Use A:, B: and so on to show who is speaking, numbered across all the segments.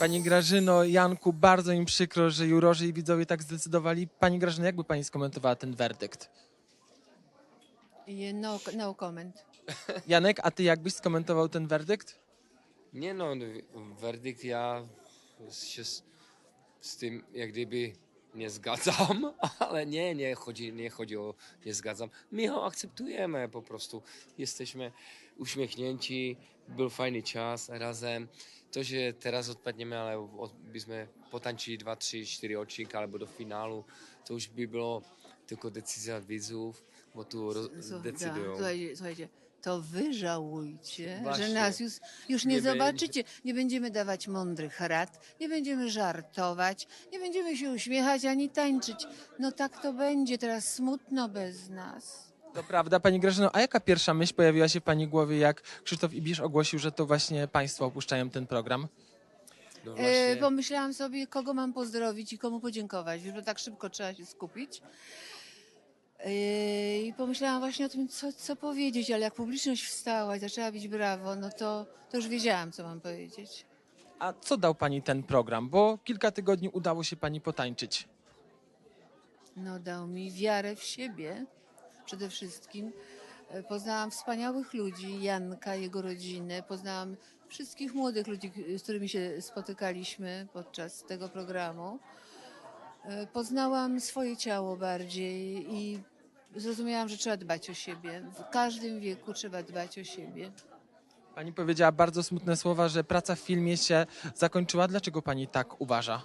A: Pani Grażyno, Janku, bardzo im przykro, że jurorzy i widzowie tak zdecydowali. Pani Grażyno, jakby pani skomentowała ten werdykt?
B: No comment.
A: Janek, a ty jakbyś skomentował ten werdykt?
C: Nie no, werdykt ja się z tym jak gdyby nie zgadzam, ale nie chodzi o nie zgadzam. My ją akceptujemy po prostu. Jesteśmy uśmiechnięci, był fajny czas razem. To, że teraz odpadniemy, ale byśmy potańczyli 2, 3, 4 odcinki albo do finału, to już by było tylko decyzja widzów, bo tu decydują.
B: Słuchajcie, to wy żałujcie,
C: Właśnie.
B: że nas już nie
C: Nie
B: zobaczycie. Nie będziemy dawać mądrych rad, nie będziemy żartować, nie będziemy się uśmiechać ani tańczyć. No tak to będzie, teraz smutno bez nas.
A: To prawda, pani Grażyno, a jaka pierwsza myśl pojawiła się w pani głowie, jak Krzysztof Ibisz ogłosił, że to właśnie państwo opuszczają ten program?
C: No właśnie.
B: Pomyślałam sobie, kogo mam pozdrowić i komu podziękować, bo tak szybko trzeba się skupić. I pomyślałam właśnie o tym, co powiedzieć, ale jak publiczność wstała i zaczęła bić brawo, no to już wiedziałam, co mam powiedzieć.
A: A co dał pani ten program? Bo kilka tygodni udało się pani potańczyć.
B: No dał mi wiarę w siebie przede wszystkim. Poznałam wspaniałych ludzi, Janka, jego rodzinę, poznałam wszystkich młodych ludzi, z którymi się spotykaliśmy podczas tego programu. Poznałam swoje ciało bardziej i zrozumiałam, że trzeba dbać o siebie. W każdym wieku trzeba dbać o siebie.
A: Pani powiedziała bardzo smutne słowa, że praca w filmie się zakończyła. Dlaczego pani tak uważa?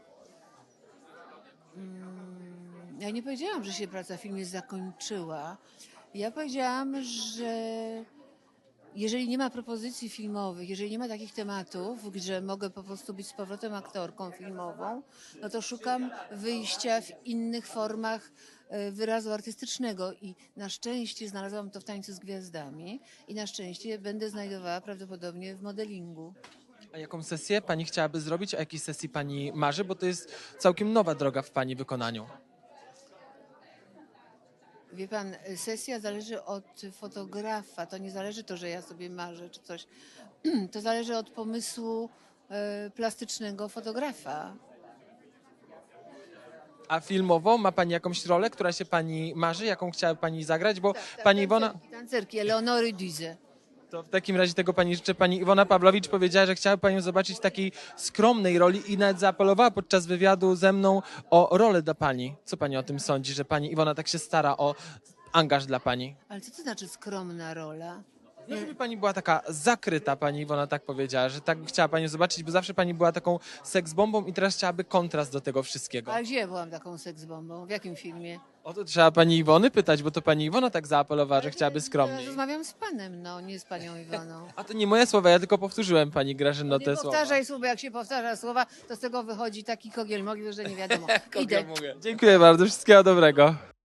B: Ja nie powiedziałam, że się praca w filmie zakończyła. Ja powiedziałam, że jeżeli nie ma propozycji filmowych, jeżeli nie ma takich tematów, gdzie mogę po prostu być z powrotem aktorką filmową, no to szukam wyjścia w innych formach wyrazu artystycznego i na szczęście znalazłam to w Tańcu z Gwiazdami i na szczęście będę znajdowała prawdopodobnie w modelingu.
A: A jaką sesję pani chciałaby zrobić? O jakiej sesji pani marzy? Bo to jest całkiem nowa droga w pani wykonaniu.
B: Wie pan, sesja zależy od fotografa. To nie zależy to, że ja sobie marzę czy coś. To zależy od pomysłu plastycznego fotografa.
A: A filmowo ma pani jakąś rolę, która się pani marzy? Jaką chciałaby pani zagrać? Bo pani Iwona...
B: Tancerki Eleonory Duze.
A: To w takim razie tego pani życzę. Pani Iwona Pawłowicz powiedziała, że chciałaby panią zobaczyć w takiej skromnej roli i nawet zaapelowała podczas wywiadu ze mną o rolę dla pani. Co pani o tym sądzi, że pani Iwona tak się stara o angaż dla pani?
B: Ale co to znaczy skromna rola?
A: No, żeby pani była taka zakryta, pani Iwona tak powiedziała, że tak chciała panią zobaczyć, bo zawsze pani była taką seksbombą i teraz chciałaby kontrast do tego wszystkiego.
B: A gdzie byłam taką seksbombą? W jakim filmie?
A: O to trzeba pani Iwony pytać, bo to pani Iwona tak zaapelowała, że chciałaby
B: Teraz
A: skromniej.
B: rozmawiam z panem, no, nie z panią Iwoną.
A: A to nie moje słowa, ja tylko powtórzyłem pani Grażyno
B: Nie
A: te słowa.
B: powtarzaj słowa, jak się powtarza słowa, to z tego wychodzi taki kogiel mogil, że nie wiadomo. Idę.
A: Dziękuję bardzo, wszystkiego dobrego.